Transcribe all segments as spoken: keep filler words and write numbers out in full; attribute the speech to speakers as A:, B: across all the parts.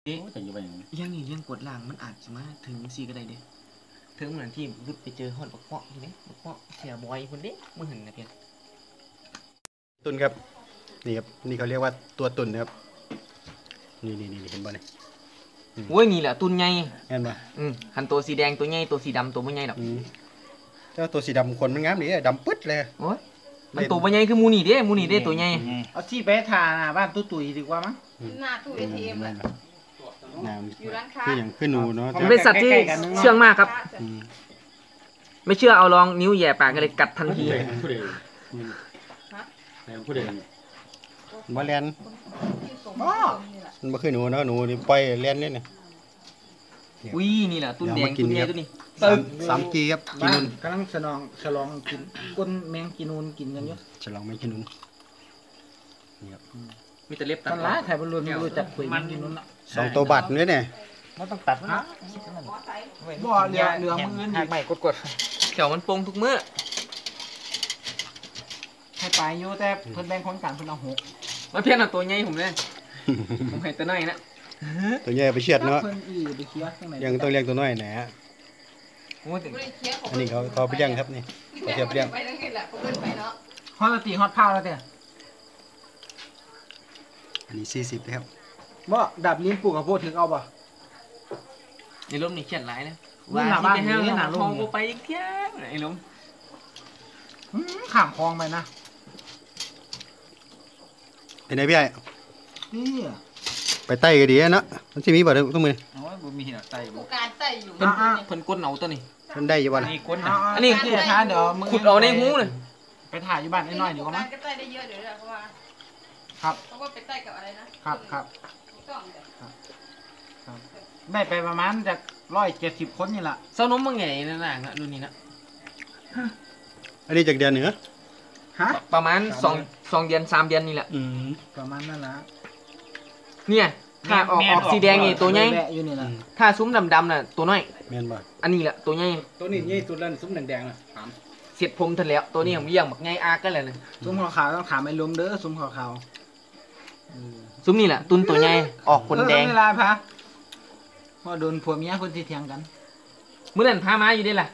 A: จะอยู่ไปอย่างนี้
B: ยังนี่ยังกดล่างมันอาจจะมาถึงซีก็ได้เด้ถึงเหมือนที่รุดไปเจอฮอดบักเปาะอยู่เด้บักเปาะเสียบอยคนเด้มึงเห็นนะเพียน
C: ตุนครับนี่ครับนี่เขาเรียกว่าตัวตุนนะครับนี่นี่นี่เห็นบ่เนี่ย
B: โอ้ยนี่แหละตุนใหญ่
C: เห็นบ่
B: อืมหันตัวสีแดงตัวใหญ่ตัวสีดำตัวไม่ใหญ่หรอก
C: เจ้าตัวสีดำคนมันงามดีดำปึ๊ดเลย
B: โอ้ยมันตัวไม่ใหญ่คือมูนี่เด้มูนี่เด้ตัวใหญ่
D: เอาที่ไปทาหน้าบ้านตุ้ตุ๋ยดีกว่ามั้ง
E: หน้าตู้เอทีเอ็มอะ
C: อยู่ร้านค้าคืออย่างขึ้นหนูเนาะ
B: มันเป็นสัตว์ที่เชื่องมากครับไม่เชื่อเอาลองนิ้วแย่ปากกันเลยกัดทันที
A: ผู้ใดผู้ใด
C: บ่แลนมันบ่คือหนูเนาะหนูนี่ปล่อยแลนนี่น่ะ
B: อุ้ยนี่แหละตุ้นแดงตุ้นใหญ่ตุ้นนี้
C: สามกีครับกินนูน
D: กำลังฉลองฉลองกินก้นแมงกินนูนกินกันอยู่
C: ฉลองแมงกินนูนนี่ครับ
B: มีแต่เล็บตัด
D: มันร้ายถ่ายบอลลูนไม่รู้จักคุยมันกินนูนละ
C: สองตัวบัตรนี่เนี่ย
D: มันต้องตัดนะบ่เหลือเหลือมืออื่นหักใหม่กด
B: ๆเขียวมันปงทุกมื้อ
D: ให้ไปอยู่แต่เพิ่นแบ่งคนกันเพิ่นเอาหก
B: มาเพี้ยนเอาตัวใหญ่ผมเลยผมให้ตัวน้อยนะ
C: ตัวใหญ่ไปเชียดเนาะยังต้องเลี้ยงตัวน้อยแหนะอันนี้เขาเขาไปเลี้ยงครับนี่เขาเชียบเลี้ยง
D: ฮอตตีฮอตเผาแล้วเด้อ
C: อันนี้สี่สิบครับ
D: บ่ดับลิ้นปลูกข้าวโพดถึงเอาบ่
B: ในร่มนี่เขียนหลายนะว่าที่ไปห้างหาทองกูไปอีกเที่ยงไอ้ลุง
D: ข้ามคลองไปนะ
C: เป็นไงพี่ไอ้
D: นี่
C: ไปไต่ก็ดีเนาะมันสิมีบ่ต้องมือ
E: โอ้ยบ่มีหรอกไต่บ่การไต่อยู่
B: เพิ่นเพิ่นก้นเอาตัวนี้
C: เพิ่นได้อยู่บ่ล่ะ
D: นี่ก้นอันนี้คือทานเดี๋ยวมึง
B: ขุดเอาในหูเลย
D: ไปถ่ายอยู่บ้านน้อยๆเดี๋ยวก็มั้ง
E: ก็ไต่ได้เยอะเดี๋ยวเพราะว่า
D: ครับ
E: เพราะว่าไปไต่กับอะไรนะครับ
D: ครับได้ไปประมาณจากร้อยเจ็ดสิบคนนี่แหละ
B: เซานมบางใหญ่นั่นน่ะรุ่นนี้นะ
C: อันนี้จากเดือนเหนือ
D: ฮะ
B: ประมาณสองสองเดือนสามเดือนนี่แหละ
C: อืม
D: ประมาณนั่นแหละ
B: เนี่ยถ้าออกออกสีแดงนี่ตัวใหญ่ถ้าซุ้มดำๆน่ะตัวน้อย
C: แม่นบ่
B: อันนี้แหละตัวใหญ่
D: ตัวนี้ใหญ่ตัวนั้นซุ้มแดงๆน่ะถาม
B: เสียดผมทันแล้วตัวนี้ผมเยี่ยงบักใหญ่อากันเลยนะ
D: ซุ้มขาวๆต้องถามไอ้ลุงเด้อซุ้มขาว
B: ๆซุ้มนี่แหละตุนตัวใหญ่ออกคนแดง
D: เวลาพะพอโดนผัวเมียคนที่เถียงกัน
B: เมื่อนั้นพามาอยู่ได้ล่ะ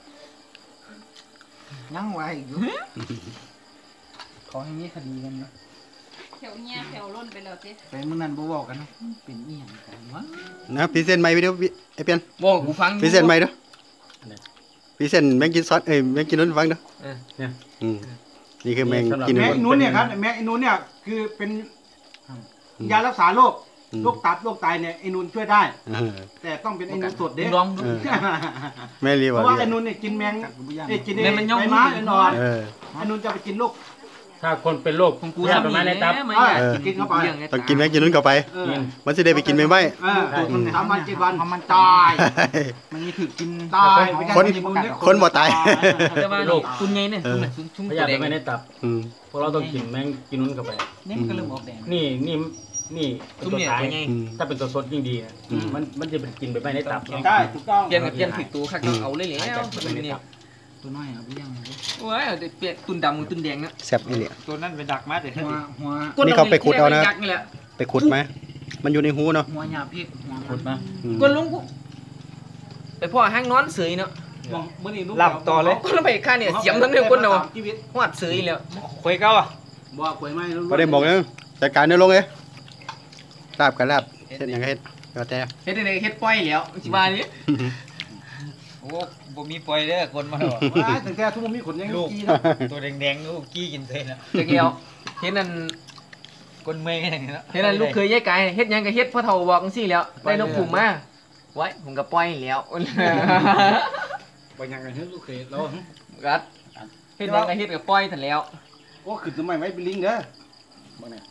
D: ยังไว้อยู่ขอให้มีคดีกันนะ
E: แถวเนี้ยแถวล้นไปแล้วสิ
D: ไปเมื่อนั้นบ่บอกกันนะเป็นอีหยังกันวะ
C: นะพรีเซนต์ใหม่ไปเด้อไอ้เปียน
B: บอกกูฟัง
C: พรีเซนต์ใหม่เด้อพรีเซนต์แมงกินซอสเอ้ยแมงกินนุ่นฟังเด้อ
B: เออเนี่ย
C: อืมนี่คือแมงกิน
D: นุ่นแมงนุ่นเนี่ยครับแมงนุ่นเนี่ยคือเป็นยารักษาโรคโรคตับโรคไตเนี่ยไอ้นุ่นช่วยได้แต่ต้องเป็นไอ้นุ่นสดเด้
B: ลองดู
C: แม่รีบ
D: เพราะว่าไอ้นุ่นเนี่ยกินแมงไอ้กินไอ้ใบไม้ไอ้นอนไอ้นุ่นจะไปกินโรค
A: ถ้าคนเป็นโรคของกูทำประมาณนี้ตับ
D: กินเข้าไป
C: ต้องกินแมงกินนุ่นเข้าไปมันจะได้ไปกินไม่ไหม
D: สามวันเจ็ดวันมันตายมันนี่ถือกินตาย
C: คนคนบ่ตาย
B: โรคตุนไงเนี่ยชุ่ม
A: พยาธิไม่ได้ตับเพราะเราต้องกินแมงกินนุ่นเข้าไป
D: นี่มันก็เริ่มออกแดง
A: นี่นี่นี่ตัวตายถ้าเป็นตัวสดยิ่งดีมันมันจะเป็นกินไปไม่ได้ตับ
D: ใช่ถูกต้อง
B: เปลี่ยนกับเปลี่ยนผิดตัวค่ะเอาเลยแล้ว
D: ตัวน้อยเอาไปยัง
B: โอ้ยเปลี่ยนตุนดำกับตุนแดงนะ
C: แซ่บอีเหลี่ย
D: ตัวนั้นไปดักมาเดี๋ยวหั
C: วนี่เขาไปขุดเอานะไปขุดไหมมันอยู่ในหูเนาะ
D: หัวหยาพิษหัว
A: ขุดมา
B: ก้นลุงไปพ่อห้างนอนเสยเนาะ
D: หลับต่อเลย
B: ก้นไปข้าเนี่ยเสียมทั้งเรื่องก้นเนาะหอดเสยแล้ว
D: คุยเก้าอ่ะบ่คุยไม่
C: ก็ได้บอกนะจัดการเนื้อลงเลยลาบกับลาบเฮ็ดยังไงเฮ็ดก็แต่
B: เฮ็ดได้เฮ็ดปล่อยแล้วสิว่านี่
A: โอ้บ่มีปล่อยเด้อคนมาหรอ
D: ว่าตั้งแต่ทุกมันมีขนยังลูก
A: ตัวแดงๆลูกกี้กินเท่นะ
B: จักเดียวเฮ็ดนั่น
A: คนเมย์อย่างนี้แล้ว
B: เฮ็ดนั่นลูกเคยยายไก่เฮ็ดยังก็เฮ็ดพ่อเฒ่าบอกจังซี่แล้วได้นกขุมมาไว้ผมก็ปล่อยแล้ว
D: ปล่อยยังกันเฮ็ดลูกเคยแล้ว
B: กัดเฮ็ดยังก็เฮ็ดก็ปล่อยซั่นแล้ว
D: โอ้ขึ้นทำไมไว้เป็นลิงเด้อบ่เนี่ย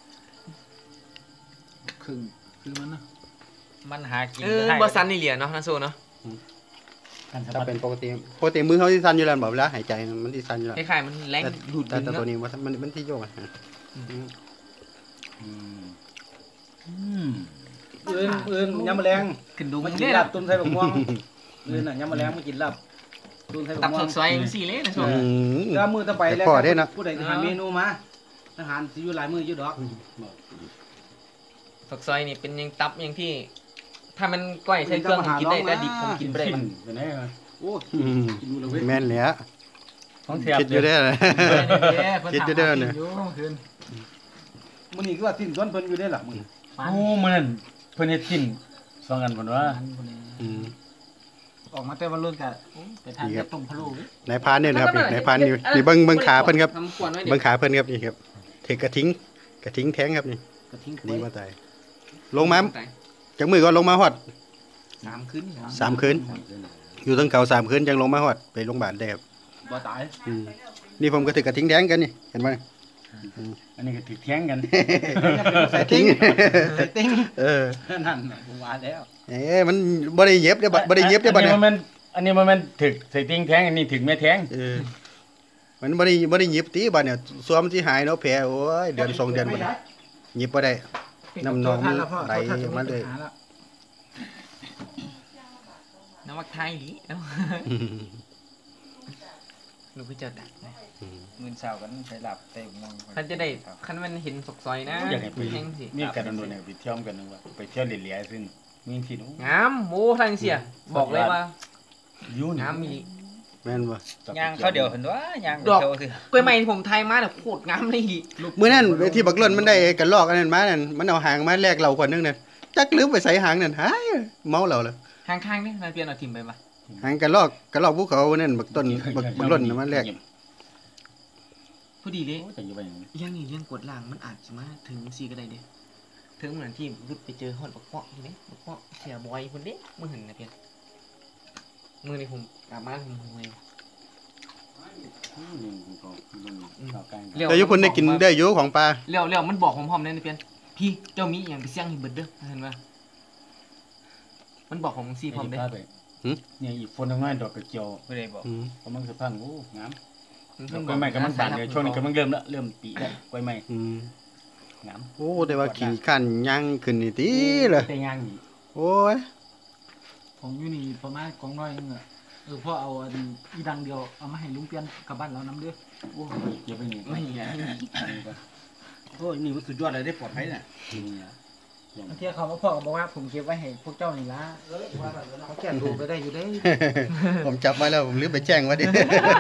D: ครึ่งคือมันนะ
A: มันหากิน
B: เออบ่ซันนี่เหลียเนาะนะโซเนาะ
C: ถ้าเป็นปกติปกติมือเขาที่สั่นอยู่แล้วแบบเวลาหายใจมันที่สั่นอยู่แล้ว
B: คล้ายๆมันแรง
C: ดูดแต่ตัวนี้มันมันมันที่โยกอ่ะ
D: เอื่นเอื่นยำแมลง
B: ขึ้นดู
D: มันกินลาบตุ้มไทยบกม่วงเอื่นน่ะยำแมลงมันกินลาบ
B: ตุ้มไทยบกม่วงตับสดๆอย่างสี่เลยนะโซ
D: ก็มือตะไปแล้วผู้ใดหาเมนูมาอาหารสิอยู่หลายมืออยู่ดอก
B: ฝักซอยนี่เป็นยังตับยังที่ถ้ามันก้อยใช้เครื่องผมกินได้แต่ดิบผมกินไม่ได้
A: กิน
B: มัน
A: เป็นไงวะ
D: โอ้
C: อืม
D: กินดูเลยเว้ย
C: แม่นแหล้ว
A: ของเสียบ
C: คิดอยู่ได้อ คิดอยู่ได้อเนี่ย
D: มันนี่คือว่าสิ้นส่วนเพิ่นอยู่ได้หรอมึง
A: โอ้มันนั่นเพิ่นเฮ็ดกินสองอันพุ่นว่า
C: อืม
D: ออกมาแต่วันรุ่นกันไปทาน
C: นี่ครับ
D: ต้มพะโล้
C: นายพรานเนี่ยนะครับนี่นายพรานนี่นี่เบิ่งเบิ่งขาเพิ่นครับ
B: ทำกวนไว้เดี๋
C: เบิ่
B: ยว
C: งขาเพิ่นครับนี่ครับถือกระทิงกระทิงแท้งครับนี่
D: กระทิ้ง
C: ดี
D: ไว้
C: มาตายลงมาจากมือก็ลงมาฮอด
B: สามคืน
C: สามคืนอยู่ตั้งเขาสามคืนจังลงมาฮอดไปโรงพยาบาลได้ครับ
D: บ่ตาย
C: อืมนี่ผมก็ถือกระทิงแท้งกันนี่เห็นไหม
A: อันนี้ก็ถือแท้งกัน
C: ใส่ทิ้ง
D: ใส่ติ้ง
C: เออ
D: นั่นน่ะผมว่าแล้ว
C: เอ้มันบ่ได้เย็บเด้อบัดบ่ได้เย็บเด้อบัด
A: อัน
C: เนี่ย
A: นี้มันอันนี้มันถึกใส่ติงแท้งอันนี้ถึกแม่แท้ง
C: เออมันบ่ได้บ่ได้เย็บตีบัดเนี่ยสวมสิหายเนาะแผลโอ้ยเดือนสองเดือนบัดเย็บบ่ได้น้ำนองมันไหลมาเลย
B: น้ำมักไทยดิเอ้าลูกพี่เจ้าดักนะ
F: หมื่นสาวกันใช้หลับเต็มมอง
B: คันจะได้คันมันเห็นสกซอยนะ
A: อยากให้ไป
B: แห้งสิ
A: มีการดำเนินไปเที่ยวกันนึงว่าไปเที่ยวเหลียๆซึ่งมีที่นู้น
B: งามโอ้ทางเสียบอกเลยว่า
A: ยูนี่
B: งามมี
C: แม่นบ่
F: ย่างเขาเดียวเห็นว่ายาง
B: ดอก
F: เที่ยวสิ
B: กล้วยไม้ที่ผมไทยมาเนี่ยโคตรงามเลยดิ
C: มื้อนั้นที่บักล่นมันได้กันลอกอันนั้นมานั่นมันเอาหางมาแลกเราคนนึงนั่นจักลืมไปใส่หางนั่นหายเมาแล้วล่ะ
B: ข้างๆนี่มันเปลี่ยนเอาทิมไปปะ
C: หางกันลอกกันลอกภูเขานั่นบักต้นบักบักล่นน่ะมันแลก
B: พอดีเลย
A: แต่อยู่ไปอย่างนี้
B: ยังนี่ยังกดล่างมันอาจจะมาถึงสี่ก็ได้เด้ถึงเหมือนที่รุดไปเจอฮอดบักเปาะที่ไหมบักเปาะเสียบอยคนเด้มือเห็นนะเพียนมือนี่ผมกลับมาผมหวย
C: แต่อยู่เพิ่นได้กินได้อยู่ของปลา
B: เลี้ยวเลี้ยวมันบอกผมพร้อมเลยนะเพียนพี่เจ้ามีอหย่างไปเสี่ยงให้เบิดเด้อเห็นปะมันบอกผมสี่พร้อมเด้อ
A: เนี่ยอีกคนทำงานดอกกระเจียว
F: ไม่ได้บอก
C: อืม
A: กำลังสะพังโอ้งาม
B: มัน
A: กล้วยไม้กำลังบานเลยช่วงนี้กำลังเริ่มละเริ่มปีแล้วกล้วยไม้
C: อืม
A: งาม
C: โอ้แต่ว่ากินขันย่างขึ้นนี่ติเลย
A: แต่ย่างนี่
C: โอ้ย
D: ผมอยู่นี่ประมาณของน้อยนึงอ่ะเออพ่อเอาอันอีดังเดียวเอามาให้ลุงเปลี่ยนกลับบ้านเรานำเด้อ
A: โอ้เก็บไปนี่
B: ไม่ไง
D: โอ้ยนี่มันสุดยอดเลยได้ปลอดภัยน่ะ
A: นี่นะ
D: บางทีเขามาพ่อก็บอกว่าผมเก็บไว้ให้พวกเจ้านี่ละเขาแก่ดูไปได้อยู่ได้
C: ผมจับมาแล้วผมลืมไปแจ้งไว่าดิ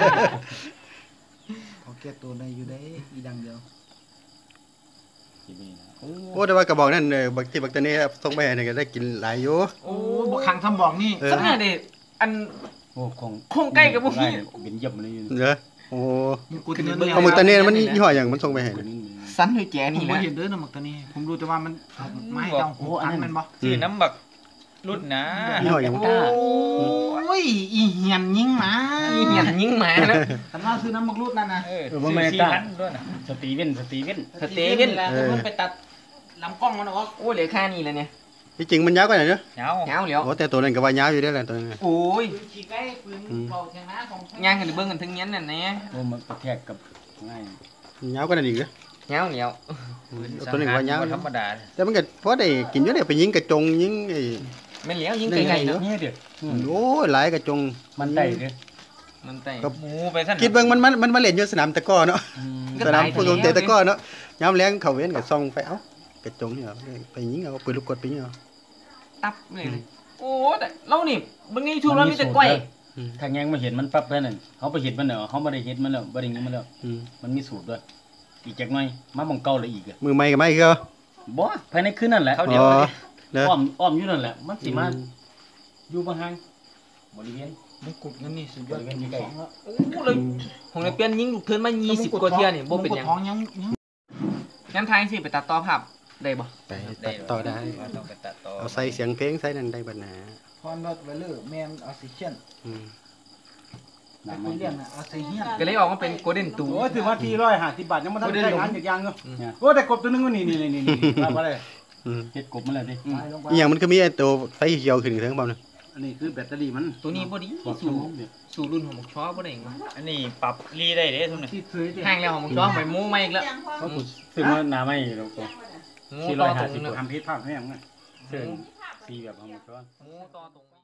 D: เขาแก่ตัวได้อยู่ได้อีดังเดียว
A: เก็บไปนี่นะ
C: โอ้แต่ว่ากระบอกนั่นเออบักที่บักตะเนี้ครับส่งไปให้นี่ก็ได้กินหลายอยู่
B: โอ้
D: โอ้บกขังทำบอกนี่
C: เออ
B: สักเนี่ยเด็อัน
A: โอ้คง
B: คงใกล้กับพวกนี้
A: เป็นเยี่ยมเลยอยู่
C: เด้อโอ้
D: มึงกูเนื้อ
C: เอาบักตะเนี้มันยี่ห้อหยังมันส่งไปให้
A: คนนี้
B: สั้นด้วยแจ
D: ผม
B: นี่
D: ไม่
B: นะ
D: เห็นเด้อนะหมักตัวนี้ ผมรู้แต่ว่ามันเอาไม้เจ้าโอ้อันนั้นมันบ่
F: ชื่อน้ำบักรุ่นนะ
C: ยี่ห้อหยัง
B: โอ้
D: โอ้ยอีเหียนยิงหมา
B: ยเหียนยิงหมาแล้ว
D: แต่ว่าซื้อน้ำมักรูดนั่นนะ
F: เออ
A: เออบ่แม่น
F: สี่
A: ตา
F: พันด้วยนะ
A: สตีเว่นสตีเว่น
B: สเตเว่น
D: แล้วมันไปตัดลำกล้องมันออก
B: โอ้เหลือค่านี่แล้วเนี่ย
C: ที่จริงมันยาวกว่านั้นเด้อ
F: เหงา
B: เงาแล้ว
C: โอ้แต่ตัวนั้นก็ว่ายาวอยู่เด้อแหละตัวนั้น
B: โอ้ย
D: ขี่ไก่ปืนเบาเชียงนะของ
B: ย่างกันเบิ่งกันทั้งนี้นั่นแน่
A: โอ้มันกระแทกกับง่าย
C: ยาวกว่านั้นอีกเด้อ
B: เงาแล้ว
C: ตัวนึงว่ายาว
F: บ่ธรรมดา
C: แต่มันก็พอได้กินอยู่ได้ไปยิงกระจงยิงไอ้
B: ไม่เหลียวยิงไกลๆเนาะ
A: นี่เด้อ
C: โอ้ยหลายกระจง
A: มันได้เด้อ
B: มันไต่
C: ครับ
F: หมูไปสั่น
C: คิดเบิ่งมันมันมันมาเล่นอยู่สนามตะกร้อเนาะ
B: ก็
C: สนาม
B: ตาย
C: ฟุตบอลเตะตะกร้อเนาะยามแรงเขาเว้นก็ส่องไปเอ้ากระจงนี่เหรอไปยิงเอาปืนลูกกดไปยิงเอา
B: ตับเลยโอ้แต่เรานี่เบิ่งใน YouTube แล้วมีแต่ก้อย
A: ถ้าแงงมาเห็นมันปั๊บแค่นั้นเขาไปเห็นมันแล้วเขาบ่ได้เห็นมันแล้วบ่ได้ยิงมันแล้ว
C: อืม
A: มันมีสูตรด้วยอีกจักหน่อยมาบังเก่าเลยอีกอ่ะ
C: มือใหม่ก็ไม่คือ
A: บ่ภายในคืนนั่นแหละ
F: เขา
C: อ๋
F: เดียว
C: อ
F: เลย
C: เด้อ
A: อ้อมอ้อมอยู่นั่นแหละมันสิมาอยู่บ่ห่างบริเวณ
D: มันกุดนั่นนี่สุดย
A: บ
D: อด
A: ริเวณอยู่ใกล้
B: โอ้เลยผมเลยเปลี่ยนยิงลูกเทินมายี่สิบกว่าเที่ยนี่บ่เป็นหยัง
D: ท้องยังยัง
B: งั้นทายสิไปตัดต่อภาพได้บ่
C: ไปตัดต่อได้
F: ต้องไปตัดต่อ
C: เอาใส่เสียงเพลงใส่นั่นได้บัดหนา
D: พอนรถไวเลอร์แมนออสซิเชียน
C: อืม
D: แต่คนเรียกน่ะออสซิเชียน
B: ก็เลยออกมาเป็นโกลเด้นตู
D: โอ้ยถือว่าที่ร้อยห้าสิบบาทยังไม่ทันได้งานจากยางเนาะโอ้แต่กบตัวนึงก็นี่นี่นี่นี่มาบ่ได้
C: อืม
A: เฮ็ดกบมาแล้วดิ
D: ลงไป
C: อีหยังมันก็มีไอ้ตัวไฟเขียวขึ้นเทิงบ่เนาะ
D: อันนี้คือแบตเตอรี่มัน
B: ตัวนี้บ่ดี
A: บอก
B: สู่
A: สูงเด้อ
B: สู่รุ่นของหมกช้อบ่ได้หยังวะ
F: อันนี้ปรับรีได้เด้ทุกนี่
D: ที่เคย
B: ห่างแล้วของหมกช้อไปหมูมาอีกแล้ว
A: เขากูซื้อมาหน้าไม่แล้วก็
B: หมูต่อตรงนึง
D: ทำพิษภาพให้ยังไง
A: ซื้อสีแบบของมันก็
B: หมูต่อตรง